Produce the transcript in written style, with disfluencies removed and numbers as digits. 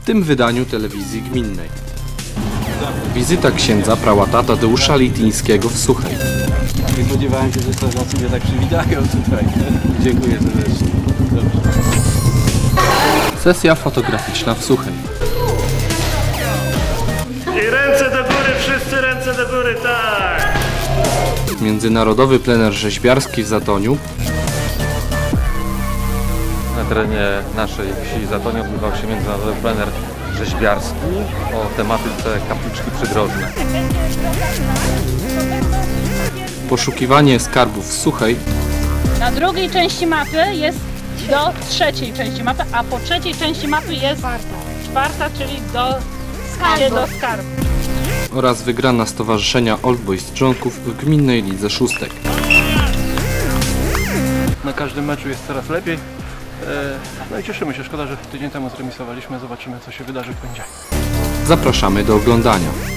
w tym wydaniu telewizji gminnej. Wizyta księdza prałata Tadeusza Lityńskiego w Suchej. Nie spodziewałem się, że strażacy mnie tak przywitają tutaj. Dziękuję serdecznie. Dobrze. Sesja fotograficzna w Suchej. I ręce do góry, wszyscy ręce do góry, tak! Międzynarodowy plener rzeźbiarski w Zatoniu. Na terenie naszej wsi Zatonia odbywał się międzynarodowy plener rzeźbiarski o tematyce kapliczki przydrożne. Poszukiwanie skarbów w Suchej. Na drugiej części mapy jest do trzeciej części mapy, a po trzeciej części mapy jest czwarta, czyli do skarbu. Oraz wygrana stowarzyszenia Old Boys Dżonków w gminnej lidze szóstek. Na każdym meczu jest coraz lepiej. No i cieszymy się. Szkoda, że tydzień temu zremisowaliśmy. Zobaczymy, co się wydarzy w poniedziałek. Zapraszamy do oglądania.